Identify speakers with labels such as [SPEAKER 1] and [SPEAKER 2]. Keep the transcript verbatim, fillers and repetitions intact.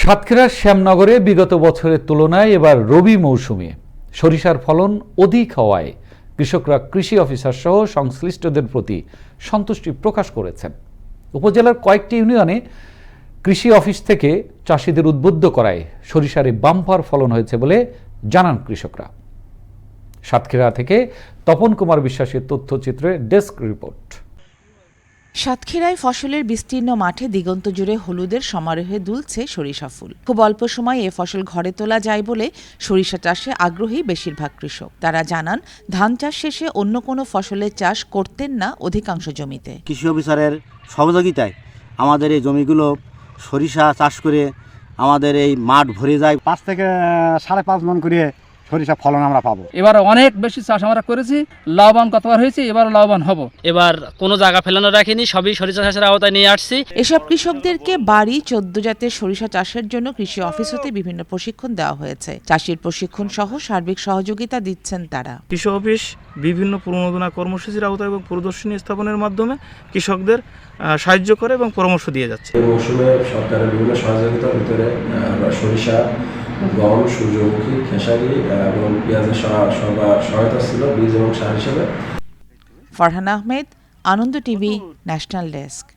[SPEAKER 1] সাতক্ষীরার শ্যামনগরে বিগত বছরের তুলনায় এবার রবি মৌসুমে সরিষার ফলন অধিক হওয়ায় কৃষকরা কৃষি অফিসার সহ সংশ্লিষ্টদের প্রতি সন্তুষ্টি প্রকাশ করেছেন। উপজেলার কয়েকটি ইউনিয়নে কৃষি অফিস থেকে চাষিদের উদ্বুদ্ধ করায় সরিষারে বাম্পার ফলন হয়েছে বলে জানান কৃষকরা। সাতক্ষীরা থেকে তপন কুমার বিশ্বাসের তথ্যচিত্রে ডেস্ক রিপোর্ট।
[SPEAKER 2] সাতক্ষীরায় ফসলের বিস্তীর্ণ মাঠে দিগন্ত জুড়ে হলুদের সমারোহে দুলছে সরিষা ফুল। খুব অল্প সময় এ ফসল ঘরে তোলা যায় বলে সরিষা চাষে আগ্রহী বেশিরভাগ কৃষক। তারা জানান, ধান চাষ শেষে অন্য কোনো ফসলের চাষ করতেন না অধিকাংশ জমিতে।
[SPEAKER 3] কৃষি অফিসারের সহযোগিতায় আমাদের এই জমিগুলো সরিষা চাষ করে আমাদের এই মাঠ ভরে যায়।
[SPEAKER 4] পাঁচ থেকে সাড়ে পাঁচ মন করে সরিষা ফলন আমরা পাবো।
[SPEAKER 5] এবার অনেক বেশি চাষ আমরা করেছি, লাভবান কতবার হয়েছে, এবার লাভবান হব।
[SPEAKER 6] এবার কোনো জায়গা ফেলানো রাখিনি, সবই সরিষা চাষের আওতায় নিয়ে আসছি।
[SPEAKER 2] এসব কৃষকদেরকে বাড়ি চোদ্দ জাতের সরিষা চাষের জন্য কৃষি অফিস হতে বিভিন্ন প্রশিক্ষণ দেওয়া হয়েছে। চাষির প্রশিক্ষণ সহ সার্বিক সহযোগিতা দিচ্ছেন তারা।
[SPEAKER 7] কৃষি অফিস বিভিন্ন প্রণোদনা কর্মসূচির আওতায় এবং প্রদর্শনী স্থাপনের মাধ্যমে কৃষকদের সাহায্য করে এবং পরামর্শ দিয়ে যাচ্ছে।
[SPEAKER 8] এই মৌসুমে সরকারের বিভিন্ন সহযোগিতার ভিতরে আমরা সরিষা, গম, সূর্যমুখী, খেসারি এবং পেঁয়াজের সহায়তা ছিল বীজ এবং সার হিসেবে।
[SPEAKER 2] Farhan Ahmed, Ananda TV, national desk.